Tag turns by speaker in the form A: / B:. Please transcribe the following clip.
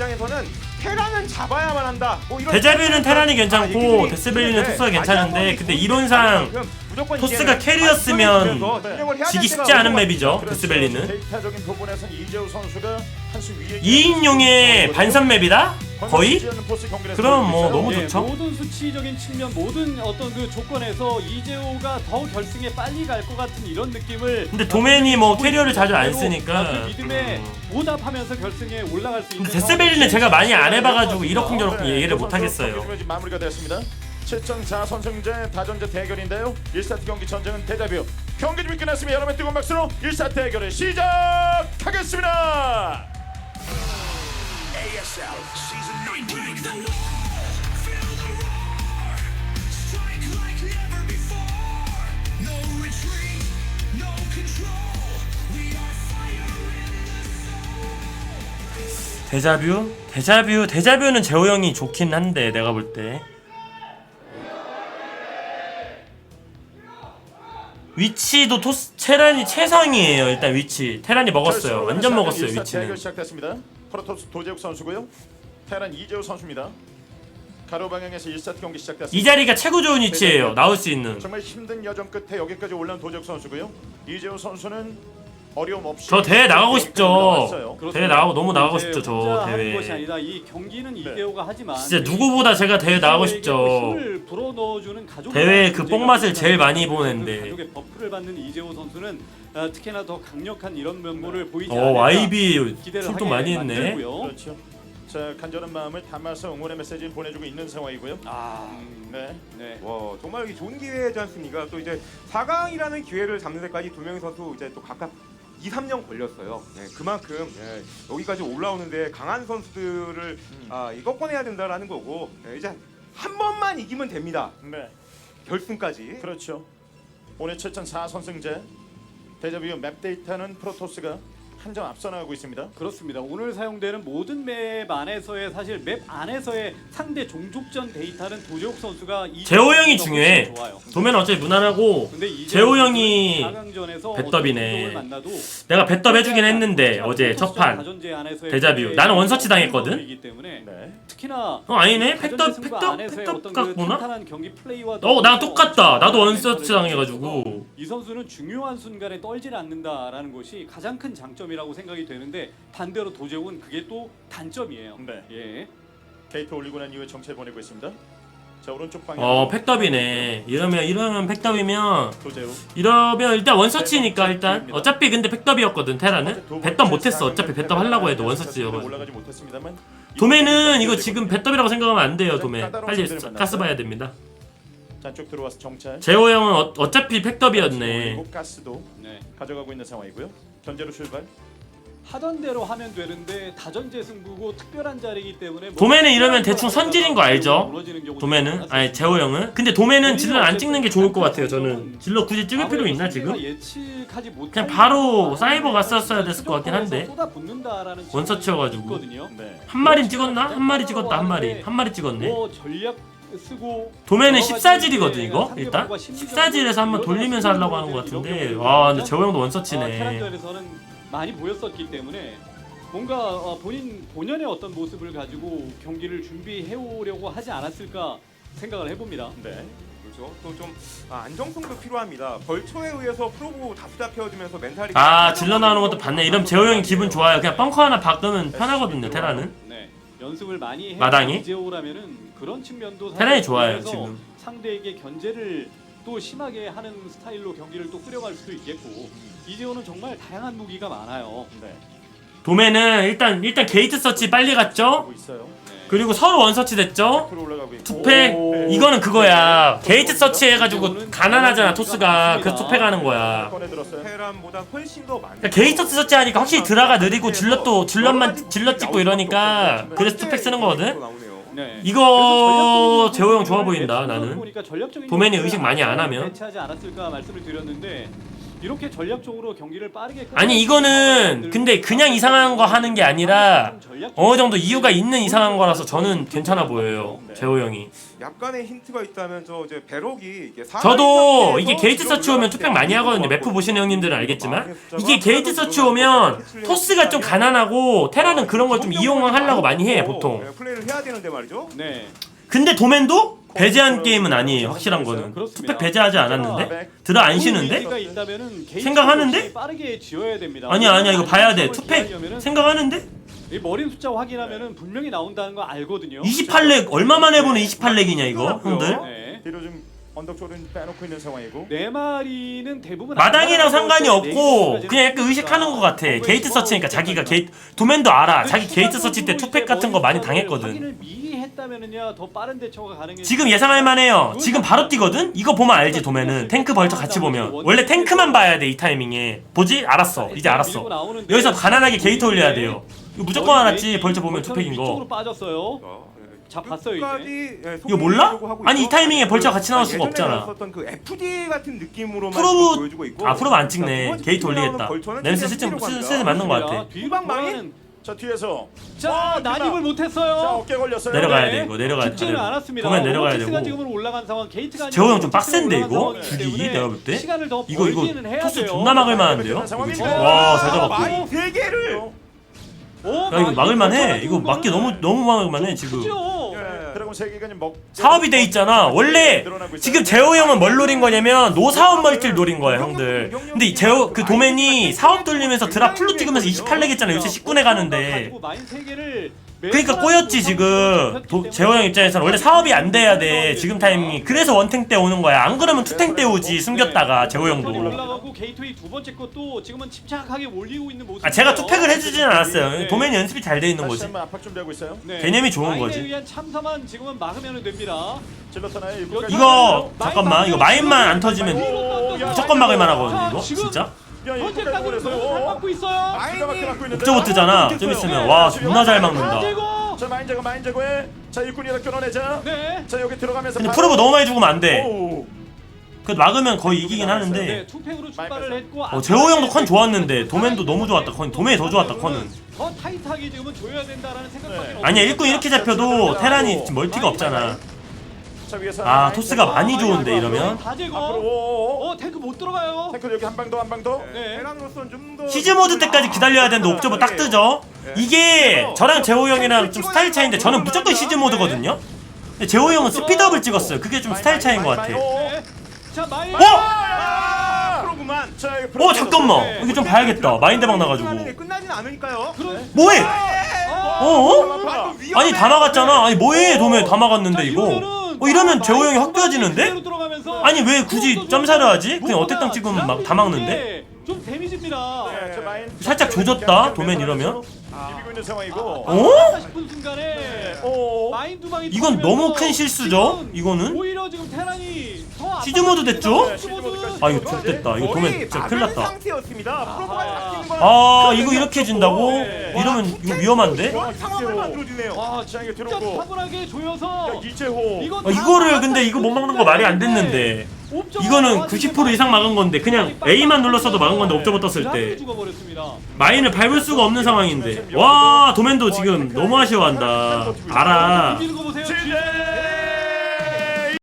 A: 입장에서는 테란은 잡아야만 한다. 뭐 이런
B: 데자뷰는 테란이 괜찮고
A: 얘기들이
B: 데스밸리는
A: 있는데
B: 토스가 괜찮은데
A: 마지막
B: 근데
A: 번이
B: 이론상
A: 무조건
B: 토스가
A: 이제는
B: 캐리였으면
A: 진영을 해야 될
B: 지기
A: 때가
B: 쉽지 않은
A: 오는 것
B: 맵이죠.
A: 같아요.
B: 데스밸리는
C: 데이터적인 부분에서 이재우 선수가 한수 위에
B: 2인용의 반선 맵이다? 거의? 그럼 뭐 너무
D: 예,
B: 좋죠.
D: 모든 수치적인 측면, 모든 어떤 그 조건에서 이재호가 더 결승에 빨리 갈 것 같은 이런 느낌을.
B: 근데 도맨이 뭐
D: 보고
B: 캐리어를 자주 안
D: 있는
B: 쓰니까.
D: 그 믿음에 보답하면서 결승에 올라갈 수 있는.
B: 근데 데스밸리는 제가 많이 안 해봐가지고
D: 상황이
B: 이러쿵저러쿵 얘기를 못 하겠어요.
C: 경기 마무리가 됐습니다. 7.4 선승제 다전제 대결인데요. 1세트 경기 전쟁은 데자뷰. 경기 준비 끝났으면 여러분 뜨거운 박수로 1세트 대결을 시작하겠습니다.
E: ASL Season 19.
B: 데자뷰는 재호 형이 좋긴 한데 내가 볼 때. 위치도 테란이 최상이에요. 일단 위치 테란이 먹었어요. 완전 먹었어요.
C: 1세트
B: 위치는.
C: 대결 시작됐습니다. 프로토스 도재욱 선수고요. 테란 이재우 선수입니다. 가로 방향에서 1세트 경기 시작됐습니다.
B: 이 자리가 최고 좋은 위치예요. 나올 수 있는.
C: 정말 힘든 여정 끝에 여기까지 올라온 도재욱 선수고요. 이재우 선수는 어려움 없이
B: 저 대회 나가고 싶죠.
C: 올라왔어요.
B: 대회 나가고 너무 나가고
D: 이제
B: 싶죠. 저
D: 혼자 하는 것이
B: 대회.
D: 아니라 이 경기는 이재호가 하지만
B: 진짜 누구보다 제가 대회 나가고 싶죠.
D: 힘을 불어넣어주는 가족
B: 대회에 그 뽕맛을 제일 많이 보는데.
D: 가족의 버프를 받는 이재호 선수는 특히나 더 강력한 이런 면모를 보이지
B: YB
D: 기대를
B: 출동
D: 하게
B: 많이 했네.
D: 만들고요.
C: 그렇죠. 자, 간절한 마음을 담아서 응원의 메시지를 보내주고 있는 상황이고요. 네.
D: 네.
A: 와 정말 이게 좋은 기회지 않습니까? 또 이제 4강이라는 기회를 잡는 데까지 두 명의 선수 이제 또 각각 2, 3년 걸렸어요. 네, 그만큼 여기까지 올라오는데 강한 선수들을 이꺾어내야 된다라는 거고 이제 한 번만 이기면 됩니다.
C: 네.
A: 결승까지.
C: 그렇죠. 오늘 7.4 선승제 데자뷰 맵 데이터는 프로토스가 한 점 앞서 나가고 있습니다.
D: 그렇습니다. 오늘 사용되는 모든 맵 안에서의 사실 맵 안에서의 상대 종족전 데이터는 도재욱 선수가
B: 재호 형이 중요해.
D: 좋아요.
B: 도면 어차피 무난하고
D: 근데 이재호
B: 재호 형이
D: 4강전에서
B: 배더비네.
D: 어떤 만나도
B: 내가 배더비 해주긴 했는데 어제 첫판
D: 다전제 안에서의
B: 데자뷰. 나는 원서치 당했거든?
D: 이기 때문에
C: 네.
D: 특히나
B: 아니네.
D: 다전제 승부 안에서의 어떤 그
B: 같구나.
D: 탄탄한 경기 플레이와
B: 나랑 똑같다. 나도 원서치 당해가지고.
D: 이 선수는 중요한 순간에 떨질 않는다라는 것이 가장 큰 장점이라고 생각이 되는데 반대로 도재욱은 그게 또 단점이에요.
C: 네.
D: 예.
C: 데이터 올리고 난 이후에 정체 보내고 있습니다. 자, 오른쪽 방향.
B: 팩더비네. 이러면 팩더비면
C: 도재욱.
B: 이러면 일단 원서치니까 일단 어차피 근데 팩더비였거든 테라는. 배떡 못했어. 어차피 배떡 하려고 해도 원서치여가지고.
C: 올라가지 못했습니다만
B: 도매는 이거 지금 배떡이라고 생각하면 안 돼요. 도매 빨리 가스 봐야 됩니다.
C: 자, 쭉 들어와서 정찰.
B: 재호 형은 어차피 팩더비였네.
C: 그리고 가스도
D: 네.
C: 가져가고 있는 상황이고요. 견제로 출발.
D: 하던 대로 하면 되는데 다전제 승부고 특별한 자리이기 때문에
B: 도매는 이러면 대충 선질인 거 알죠? 도매는 아니 재호 형은. 근데 도매는 질러 안 찍는 게 좋을 것 같아요. 저는 질러 굳이 찍을 필요 있나 지금? 그냥 바로 사이버 갔었어야 됐을 것 같긴 한데. 원서치여가지고.
C: 네.
B: 한 마리 찍었나? 한 마리 찍었다 한 마리 찍었네.
D: 전략 쓰고
B: 도매는 14질이거든 이거 일단 14질에서 한번 돌리면서 하려고 하는 것 같은데 와 근데 재호 형도 원서치네.
D: 테란전에서는 많이 보였었기 때문에 뭔가 본연의 어떤 모습을 가지고 경기를 준비해 오려고 하지 않았을까 생각을 해봅니다.
C: 네.
A: 그렇죠. 또 좀 안정성도 필요합니다. 벌초에 의해서 프로브 다수 잡혀지면서 멘탈이
B: 질러 나오는 것도 봤네. 이러면 재호 형이 기분 좋아요. 그냥 벙커 하나 박으면 편하거든요 테라는.
D: 네. 연습을 많이 해
B: 마당이?
D: 이재호라면은 그런 측면도
B: 테란이 좋아요 지금.
D: 상대에게 견제를 또 심하게 하는 스타일로 경기를 또 끌어갈 수도 있겠고 이재호는 정말 다양한 무기가 많아요.
C: 네.
B: 도매는 일단 게이트 서치 빨리 갔죠.
C: 하고 있어요.
D: 네.
B: 그리고 서로 원서치 됐죠.
C: 앞으로 올라가고 있고.
B: 투패 이거는 그거야. 게이트 서치 해가지고 가난하잖아 토스가. 그래서 투패 가는 거야.
C: 꺼내 들었어요.
A: 테란보다 훨씬 더 많은.
B: 그러니까 게이트 서치 하니까 확실히 드라가 느리고 질럿 찍고 이러니까 그래서 투패 쓰는 거거든.
D: 네.
B: 이거
D: 그래서
B: 재호 형 좋아 보인다
D: 전략적인
B: 나는.
D: 보니까 전략적인
B: 도맨이
D: 요소를
B: 의식 많이 안 하면.
D: 배치하지 않았을까 말씀을 드렸는데 이렇게 전략적으로 경기를 빠르게
B: 아니 이거는 근데 그냥 이상한 거 하는 게 아니라 어느 정도 이유가 있는 이상한 거라서 저는 괜찮아 보여요. 재호 형이.
A: 약간의 힌트가 있다면 저 이제 배럭이 이게
B: 저도 이게 게이트 서치 오면 투팩 많이 하거든요. 매프 보시는 형님들은 알겠지만 이게 게이트 서치 오면 토스가 좀 가난하고 테라는 그런 걸 좀 이용하려고 많이 해 보통.
A: 플레이를 해야 되는데 말이죠.
D: 네.
B: 근데 도맨도 배제한 게임은 아니에요. 확실한 거는
D: 그렇습니다.
B: 투팩 배제하지 않았는데 들어 안 쉬는데
D: 가 있다면은 게이트
B: 생각하는데?
D: 역시 빠르게 지어야 됩니다.
B: 아니야 이거 봐야 돼. 투팩 생각하는데
D: 이 머리 숫자 확인하면은 분명히 나온다는 거 알거든요.
B: 28렉 얼마 만에 보는 28렉이냐 이거 형들.
D: 네.
C: 뒤로 좀 언덕 쪽은 빼놓고 있는 상황이고.
D: 네 마리는 대부분
B: 마당이랑 상관이 없고
D: 네이트까지는
B: 그냥 약간 의식하는 것 같아. 게이트 서치니까 자기가 게이트 도맨도 알아. 자기 게이트 서치 때 투팩 같은 거 많이 당했거든.
D: 확인을 미리 했다면은야 더 빠른 대처가 가능해.
B: 지금 예상할 만해요. 지금 바로 뛰거든? 이거 보면 알지 도맨은. 탱크 벌처 같이 보면. 원래 탱크만 봐야 돼 이 타이밍에. 보지? 알았어. 이제 알았어. 여기서 가난하게 게이트 올려야 돼요. 이거 무조건 알았지. 벌처 보면 투팩인 거.
D: 쪽으로 빠졌어요. 자, 봤어요,
B: 이거 몰라? 아니 이 타이밍에 벌처 같이 나올 수가 없잖아.
A: 썼던 그 FD 같은 느낌으로만
B: 프로브
A: 보여주고 있고.
B: 아 프로브 안 찍네.
A: 자, 두 번째
B: 게이트
A: 나오는
B: 올리겠다.
A: 벌처는
B: 냄새
A: 최대한
B: 슬슬 맞는 것 같아.
D: 뒤방 망인.
C: 자 뒤에서.
D: 자, 난입을
C: 자
D: 못했어요.
C: 어깨 걸렸어요.
B: 내려가야
D: 네.
B: 돼 이거 내려가야 돼.
D: 죽지는 않았습니다.
B: 도맨 내려가야
D: 오버워치스가
B: 되고.
D: 지금은 올라간 상황, 게이트가
B: 재호 형 좀
D: 아니라
B: 빡센데
D: 올라간
B: 이거?
D: 상황이기
B: 죽이기
D: 때문에
B: 내가 볼 때?
D: 시간을 더
B: 이거
D: 벌기는 해야
B: 토스
D: 돼요.
B: 존나 막을 만한데요? 와 잘 잡았고.
A: 마인 3개를
B: 야 이거 막을만해. 이거 막기 너무 막을만해 지금.
D: 크죠?
C: 드래곤 3개가 지금 먹.
B: 사업이 돼 있잖아. 원래 지금 재호 형은 뭘 노린 거냐면 노사업 멀티를 노린 거야 형들. 근데 이 재호 그 도맨이 사업 돌리면서 드랍 풀로 찍으면서 28렉 했잖아. 요새 19내 가는데. 그러니까 꼬였지 지금. 재호 형 입장에서는 원래 사업이 안 돼야 돼 지금 타이밍이. 그래서 원탱 때 오는 거야. 안 그러면 투탱 때 오지 숨겼다가 재호 형도.
D: 올라가고 게이트웨이 두 번째 것도 지금은 침착하게 올리고 있는 모습.
B: 아 제가 투팩을 해주진 않았어요. 도맨이 연습이 잘 돼 있는
C: 다시
B: 거지.
C: 한번 압박 준비하고 있어요.
B: 개념이 좋은
D: 마인에
B: 거지.
D: 의한 참사만 지금은 막으면 됩니다.
C: 질렀잖아요.
B: 이거 잠깐만 이거 마인만 안 터지면 무조건 막을 만하거든요 이거 진짜.
D: 현재까지는 너무 잘 막고 있어요.
B: 옥저버 뜨잖아. 좀 있으면 와 존나 잘 막는다.
C: 자 마인 제거에 자 일꾼이라 끊어내자.
D: 네.
C: 자 여기 들어가면서.
B: 근데 프로브 너무 많이 죽으면 안 돼.
C: 오.
B: 그 막으면 거의 이기긴
D: 네,
B: 하는데.
D: 투팩으로 출발을 했고.
B: 재호 형도 컨 좋았는데 도맨도 너무 좋았다. 도맨이 더 좋았다 컨은.
D: 더 타이트하게 지금은 줘야 된다라는 생각밖에 없어요.
B: 아니야 일꾼 이렇게 잡혀도 테란이 지금 멀티가 없잖아.
C: 자 위에서.
B: 아 토스가 많이 좋은데 이러면.
D: 다 제거.
C: 앞으로.
D: 탱크 못 들어가요.
C: 탱크 여기 한 방 더.
D: 네.
A: 테란으로서는 좀더
B: 시즈 모드 때까지 기다려야 되는데 옥저버 딱 뜨죠. 이게 저랑 재호 형이랑 좀 스타일 차이인데 저는 무조건 시즈 모드거든요. 근데 재호 형은 스피드업을 찍었어요. 그게 좀 스타일 차이인 것 같아.
D: 네. 자 마인.
A: 프로그만.
C: 자
B: 잠깐만 이거 좀 봐야겠다. 마인드방 나가지고.
A: 끝나진 않으니까요.
B: 뭐해?
A: 어?
B: 아니 다 막았잖아. 아니 뭐해 도매 다 막았는데 이거. 이러면 재호 형이 확 좋아지는데? 아니 왜 굳이 점사를 하지? 그냥 어택당 찍으면 막 다 막는데?
D: 좀 데미지입니다.
B: 살짝 조졌다 도맨 이러면.
C: 비비고 있는 상황이고.
B: 어?
D: 싶은 순간에
C: 오.
D: 마인 두 방이
B: 이건 너무 큰 실수죠? 이거는?
D: 오히려 지금 테란이 더
B: 시즈 모드 됐죠?
D: 시즈모드.
B: 아 이거 좋됐다. 이거 도맨 진짜 큰일 났다.
A: 상태였습니다. 프로그만 잡히는 건
B: 아 이거 이렇게 진다고? 이러면 이거 위험한데?
A: 상황을 만들어주네요.
D: 와
C: 자 이게
D: 진짜
C: 들어오고.
D: 차분하게 조여서
C: 이재호.
B: 이거를 근데 이거 못 막는 거 말이 안 됐는데. 이거는 90% 이상 막은 건데 그냥 A만 눌렀어도 막은 건데 옵저버 떴을 때 마인을 밟을 수가 없는 상황인데. 와 도맨도 지금 너무 아쉬워한다. 알아.
D: 거 보세요.
C: 지제.